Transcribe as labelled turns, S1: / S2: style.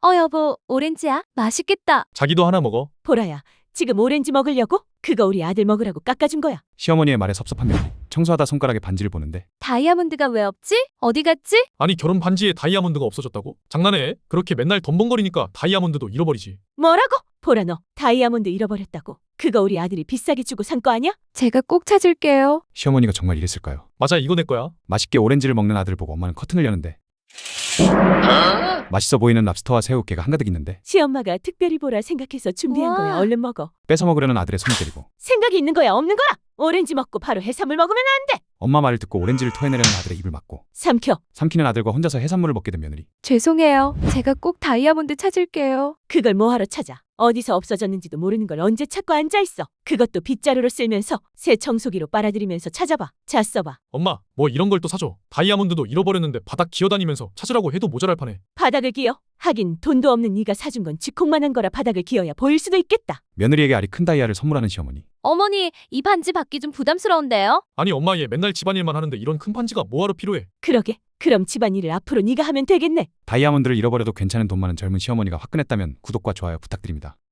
S1: 여보, 오렌지야? 맛있겠다.
S2: 자기도 하나 먹어.
S3: 보라야, 지금 오렌지 먹으려고? 그거 우리 아들 먹으라고 깎아준 거야.
S4: 시어머니의 말에 섭섭한 며느리. 청소하다 손가락에 반지를 보는데
S1: 다이아몬드가 왜 없지? 어디 갔지?
S2: 아니 결혼 반지에 다이아몬드가 없어졌다고? 장난해? 그렇게 맨날 덤벙거리니까 다이아몬드도 잃어버리지.
S3: 뭐라고? 보라 너 다이아몬드 잃어버렸다고. 그거 우리 아들이 비싸게 주고 산 거 아니야?
S1: 제가 꼭 찾을게요.
S4: 시어머니가 정말 이랬을까요?
S2: 맞아, 이거 내 거야.
S4: 맛있게 오렌지를 먹는 아들을 보고 엄마는 커튼을 여는데 맛있어 보이는 랍스터와 새우깨가 한가득 있는데
S3: 시엄마가 특별히 보라 생각해서 준비한
S1: 우와.
S3: 거야. 얼른 먹어.
S4: 뺏어 먹으려는 아들의 손을 때리고
S3: 생각이 있는 거야, 없는 거야? 오렌지 먹고 바로 해산물 먹으면 안 돼.
S4: 엄마 말을 듣고 오렌지를 토해내려는 아들의 입을 막고
S3: 삼켜.
S4: 삼키는 아들과 혼자서 해산물을 먹게 된 며느리.
S1: 죄송해요. 제가 꼭 다이아몬드 찾을게요.
S3: 그걸 뭐하러 찾아? 어디서 없어졌는지도 모르는 걸 언제 찾고 앉아있어. 그것도 빗자루로 쓸면서 새 청소기로 빨아들이면서 찾아봐. 자, 써봐.
S2: 엄마, 뭐 이런 걸 또 사줘. 다이아몬드도 잃어버렸는데 바닥 기어다니면서 찾으라고 해도 모자랄 판에.
S3: 바닥을 기어? 하긴 돈도 없는 네가 사준 건 쥐콩만한 거라 바닥을 기어야 보일 수도 있겠다.
S4: 며느리에게 알이 큰 다이아를 선물하는 시어머니.
S1: 어머니, 이 반지 받기 좀 부담스러운데요?
S2: 아니 엄마, 얘 맨날 집안일만 하는데 이런 큰 반지가 뭐하러 필요해?
S3: 그러게. 그럼 집안일을 앞으로 네가 하면 되겠네.
S4: 다이아몬드를 잃어버려도 괜찮은 돈 많은 젊은 시어머니가 화끈했다면 구독과 좋아요 부탁드립니다.